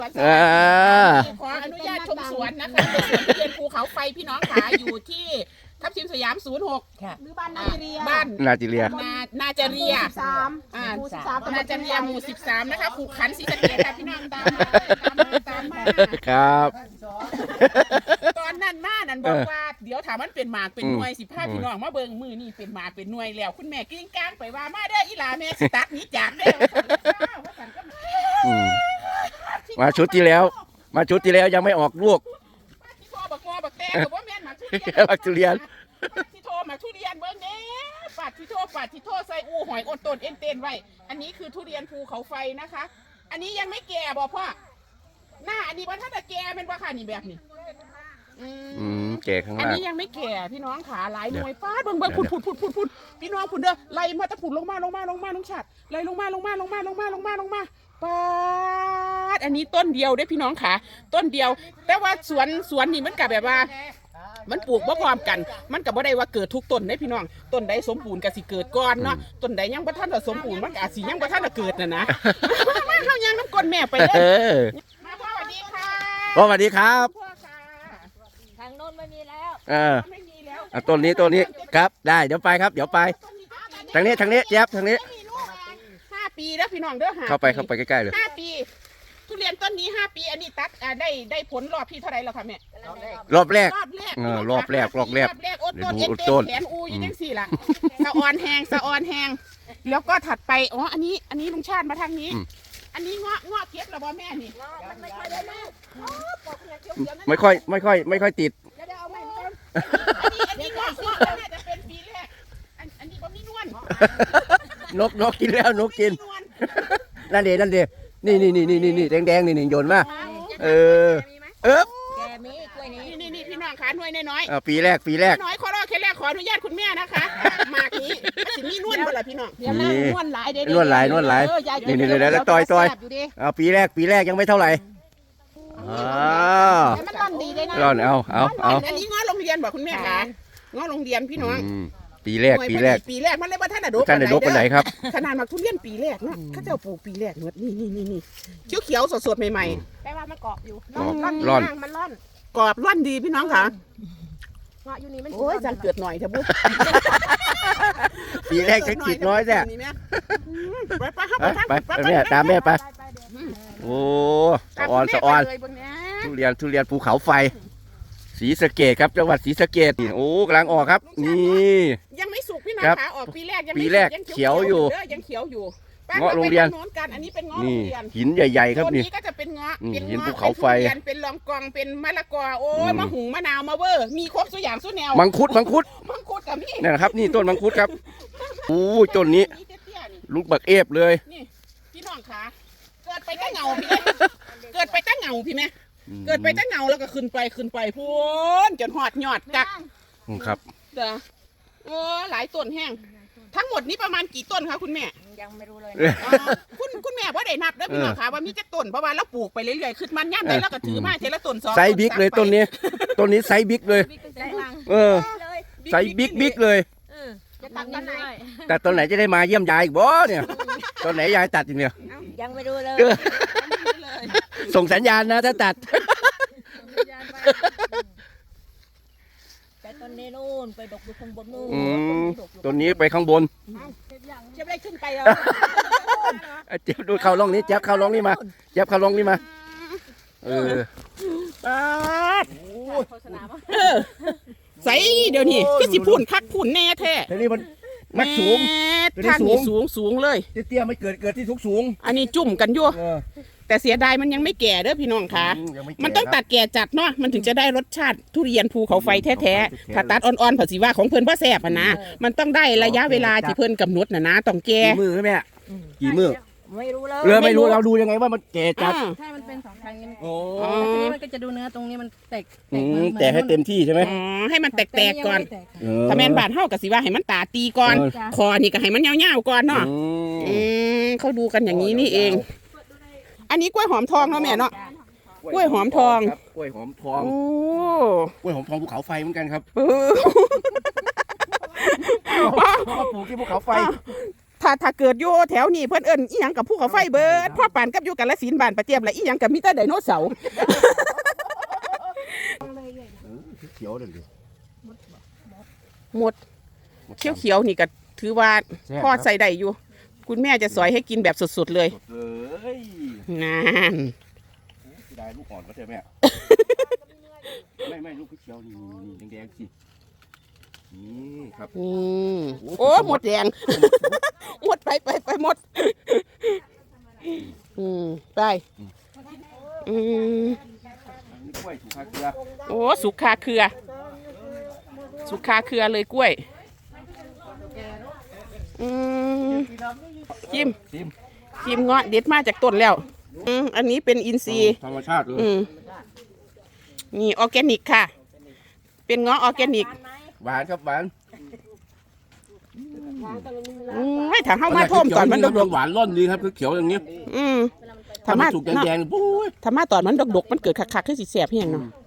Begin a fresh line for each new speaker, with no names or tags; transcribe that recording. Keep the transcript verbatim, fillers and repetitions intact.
อ่า
ขออนุญาตชมสวนนะคะเป็นสวนทุเรียนภูเขาไฟพี่น้องขาอยู่ที่ทับทิมสยามศูนย์หก
หรือบ้านนาเรีย
บ้าน
นาจิเรีย
นานาจาเรีย
สาม
อ่า
หมู่สิบสาม
นาจาเรียหมู่สิบสามนะคะผูกขันศรีสะเกษค่ะพี่น้องตามมาตามมาตามมา
ครับ
ตอนนั้นมานั่นบอกว่าเดี๋ยวถามมันเป็นหมากเป็นหน่วยสิพาพี่น้องมาเบิ่งมือนี่เป็นหมากเป็นหน่วยแล้วคุณแม่กิ้งก้างไปว่ามาเด้ออีหลาแม่สิตัดนี้จากเด้อว่าสั่นก็มา
อืมมาชุดที่แล้ว มาชุดที่แล้วยังไม่ออกลูก
ที่โทรบักงอบักแตงกับว่าแม่นหมากทุเรียน
หมากทุเรียน
ที่โทรหมากทุเรียนเบิ่งแน่ปัดที่โทรปัดที่โทรใส่อูหอยอดต้นเอ็นเต้นไว้อันนี้คือทุเรียนภูเขาไฟนะคะ อันนี้ยังไม่แก่บอกพ่อหน้าอันนี้ว่าถ้าจะแก่เป็นว่าค่ะนี่แบบนี้อื
อื
ม
มแก่ข้าง
อัน
ล่าง
นี้ยังไม่แก่พี่น้องขาหลายหน่วยฟาดเบิ่งเบิ่งพุดพุดพุดพุดพุดพี่น้องพุดเด้อไล่มาตะพุดลงมาลงมาลงมาลงชัดไล่ลงมาลงมาลงมาลงมาลงมาลงมาปาดอันนี้ต้นเดียวเด้อพี่น้องขาต้นเดียว แต่ว่าสวนสวนนี่มันกับแบบว่า มันปลูกบ่พร้อมกัน มันกับบ่ได้ว่าเกิดทุกต้นได้พี่น้องต้นใดสมบูรณ์ก็สิเกิดก่อนเนาะต้นใดยังบ่ทันจะสมบูรณ์มันก็อาจสิยังบ่ทันจะเกิดน่ะนะมาเข้ายังน้ำก้นแม่ไปเด้
เอ
อ
อ
มาพ่อสวัสดีค่ะ
พ่อสวัสดีครับ
พ่อค่ะ
ทางโน้นไม่มีแล้ว
เออ
ไม่มีแล้ว
อ่ะต้นนี้ต้นนี้ครับได้เดี๋ยวไปครับเดี๋ยวไปทางนี้ทางนี้เจี๊ยบทางนี้
ห้าปีแล้วพี่น้องเด้อห้า
เข้าไปเข้าไปใกล้ๆเลย
ห้าปี ทุเรียนต้นนี้ห้าปีอันนี้ตัดอ่าได้ได้ผลรอบที่เท่าไหร่แล้วค่ะแม่
รอบแรก
รอบแรก
เออรอบแรกรอบแรก
รอบแรกโอ้ต้น
เดี๋
เอ็
ย
น
วดู
เต้
ต้น
นแขนอูอยี่จังสี่ล่ะสะออนแหงสะออนแหงแล้วก็ถัดไปอ๋ออันนี้อันนี้ลุงชาติมาทางนี้
อืม
อันนี้เงาะเงาะเก็บแล้วบ่แม่นี่
มันไม่ค่อยได้มาก
อ๋อปอกเนี่ยเขียวๆนั่น
ไม่ค่อยไม่ค่อยไม่ค่อยติด
เดี๋ยวเดี๋ยวเอาใหม่มาก่อนอันนี้อันนี้เงาะเงาะน่าจะเป็นปีแรกอันอันนี้บ่มีนวล
นกนกกินแล้วนกกิน
มีวล
นั่นเดนั่นเดนี่นี่นี่นี่นี่นี่แดงแดงนี่นี่โยนมาเออเออ
แกมีกล้วยนี้
นี่นี่นี่พี่น้องขาหน่วยน้อย
อ่ะปีแรกปีแรก
ๆน้อยขอรอแค่แรกขออนุญาตคุณแม่นะคะหมากนี้มันสิมีนวลบ่ล่ะพี่น้อง
เดี๋ยวนั่งนวลหลายเดี๋ยวน
วดหลายนวดหลาย
เออยาย
นี่นี่นี่แล้วต่อยต่อย
แซ่บอยู่ดิ
เอาปีแรกปีแรกยังไม่เท่าไหร่อ้าว
แต่มันร่อนดีเลยนะ
ร่อนเอาเอาเอา
อันนี้ง้อโรงเรียนบอกคุณแม่คะง้อโรงเรียนพี่น้อง
อืมปีแรกปีแรก
ปีแรกมันเลยว่าท่านอะโดบ
ท่านได้ดกไปไหนครับ
ขนาดมาทุเรียนปีแรกเนาะเข้าเจ้าปลูกปีแรกเนวดนี่นี่นี่นี่เขียวเขียวสดสดๆใหม่
แปลว่ามันเกาะอยู่
กรอบ
ร่อน
ร่อน
ดีมากมันร่อน
ๆกรอบร่อนดีพี่น้องค่ะ
เงาะอยู่นี่มัน
โอ้ยจังเกิดหน่อยเถอะบุ๊
ปีแรกจะกิดน้อยแท้
ไปไปไป
ไปไปแม่ตามแม่ไปโอ้สะออนสะออน
เลยเบิ่งแน่
ทุเรียนทุเรียนภูเขาไฟศรีสะเกษครับจังหวัดศรีสะเกษนี่โอ้กำลังออกครับ นี่
ยังไม่สุกพี่น้อง
ครับ
ค่ะออกปีแรกยัง
ปี
ไม่
แรก
สุ
เขียวอยู่
เด้ยังเขียวอยู่ไป
เงาะโรงเรียน
ไปทาโน้นกันอันนี้เป็นเงาะโร
นี่
งเรียน
หินใหญ่ๆครับ
ตัว
นี่
นี้ก็จะเป็นเงาะ
อืม
เป็น
หิน
เงาะ
ภูเขาไฟ
เป็นทุเรียนเป็นลองกองเป็นมะละกอโอ้ย
อืม
มะหุงมะนาวมะเวอร์มีครบทุกอย่างทุกแนว
มังคุดมังคุด
มังคุดกับนี่
นี่นนะครับ นี่ต้นมังคุดครับโอ้ยต้นนี้
เตี้ยๆนี่
ลูกบักเอฟเลย
นี่พี่น้องขาเกิดไปตั้งเหงาพี่แม่เกิดไปตั้งเหงาพี่แม่เกิดไปตั้งเหงาแล้วก็ขึ้นไปขึ้นไปพูนจนหอดยอดจัก
อืมครับ
เด้อโอ้หลายต้นแห้งทั้งหมดนี้ประมาณกี่ต้นคะคุณแม่
ยังไม่รู้เลย
อ๋อคุณคุณแม่ว่าได้นับเด้อพี่น้องค่ะว่ามีจักต้นเพราะว่าเราปลูกไปเรื่อยๆขึ้นมันย่ำได้แล้วก็ถือมาเทละต้นสอง
ไซส์บิ๊กเลยต้นนี้ต้นนี้ไซส์บิ๊กเลย
บิ๊กตั้งแต่หลัง
เออ
เลย
ไซส์บิ๊กบิ๊กเลย
เออจะตัดตอนไหน
แต่ตอนไหนจะได้มาเยี่ยมยายอีกบ่เนี่ยตอนไหนยายตัดอีกเนี่ย
ยังไม่รู้เลย
เออส่งสัญญาณนะถ้าตัด
แต่ตอนนี้นู่นไปดกอยู่ข้างบนนู่น
อืมต้นนี้ไปข้างบน
จะได้ขึ้นไปแล้ว
อ่ะเจ็บดูเข้าร่องนี้เจ็บเข้าร่องนี้มาเจ็บเข้าร่องนี้มาเออ
ปาด
โฆษณาว่า
เออใส่เดี๋ยวนี้ก็สิพูนคักพูนแน่แท้
แต่นี่มันมัดสูง
แม่
ตัวนี้
ทางนี้สูงสูงเลย
เตี้ยๆไม่เกิดเกิดที่ทุกสูง
อันนี้จุ่มกันอยู่
เออ
แต่เสียดายมันยังไม่แก่เด้อพี่น้องค่ะ
อืยังไแก่
มันต้อง
ครับ
ตัดแก่จัดเนาะมันถึงจะได้รสชาติทุเรียนภูเขาไฟแท้
แท้
ๆถ้าตัดอ่อนๆผัสิว่าของเพิ่นพ่อแสบอะนะมันต้องได้ระยะเวลาที่เพิ่นกำหนดนะนะต้องแก่
กี่มือแม่กี่มือ
ไม่รู้เลย
เรือไม่รู้เราดูยังไงว่ามันแก่จัด
อ่า
ถ้ามันเป็นสองทางนี้มัน
โอ้
อ๋อ
ทีนี้มันก็จะดูเนื้อตรงนี้มันแตก
อื
เหมื
ม
อน
แต่ให้เต็มที่ใช่ไหม
อ๋อให้มันแตกๆก่อน
แต่ยังไม่แตก
เออ
ถ้าแม่นบาดเฮาก็สิว่าให้มันตาตีก่อน
เออ
คอนี่ก็ให้มันยาวๆก่อนเนาะ
อืม
อืมเขาดูกันอย่างนี้นี่เอง อันนี้กล้วยหอมทองเนาะแม่เนาะ กล้วยหอมทอง
ครับกล้วยหอมทอง
โอ้
กล้วยหอมทองภูเขาไฟเหมือนกันครับ
เออ
เพราะว่าปลูกที่ภูเขาไฟ
ถ้าถ้าเกิดอยู่แถวนี้เพิ่นเอิ้นอีหยังกับภูเขาไฟเบิดพ่อปานกับอยู่กาฬสินธุ์บ้านประเจียบและอีหยังกับมีแต่ไดโนเสาร์
เขียวเลยดิ
หมดเขียวๆนี่ก็ถือว่าพ่อใส่ได้อยู่ คุณแม่จะสอยให้กินแบบสดๆเลย
เอ้ย
นั่น
ได้ลูกอ่อนก็ใช่ไหมไม่ไม่ลูกเขียวนี่นี่แดงๆสินี่ครับ
อืมโอ้หมดแดง หมดไปไปไปหมด อืมไปอืม
นี่กล้วยถูกคาเกลือ
โอ้สุกคาเครือ สุกคาเครือเลยกล้วย อืมชิม
ชิม
ชิมเงาะเด็ดมาจากต้นแล้ว อืมอันนี้เป็นอินทรีย์
ธรรมชาติเลย
อืมนี่ออร์แกนิกค่ะ เป็นเงาะออร์แกนิก
หวานครับหวาน
อืมไม่ถ้าเข้ามาท่วมตอนมันดก
หวานร่อนดีครับคือเขียวอย่างนี้
ๆอืม
ถ้า
ถ้า
มั
มาน
สุกแดงๆปุ้ย
ถ้ามาตอนมันดกๆมันเกิดคักๆขึ้นสีแสบเพียงเนาะ
อืม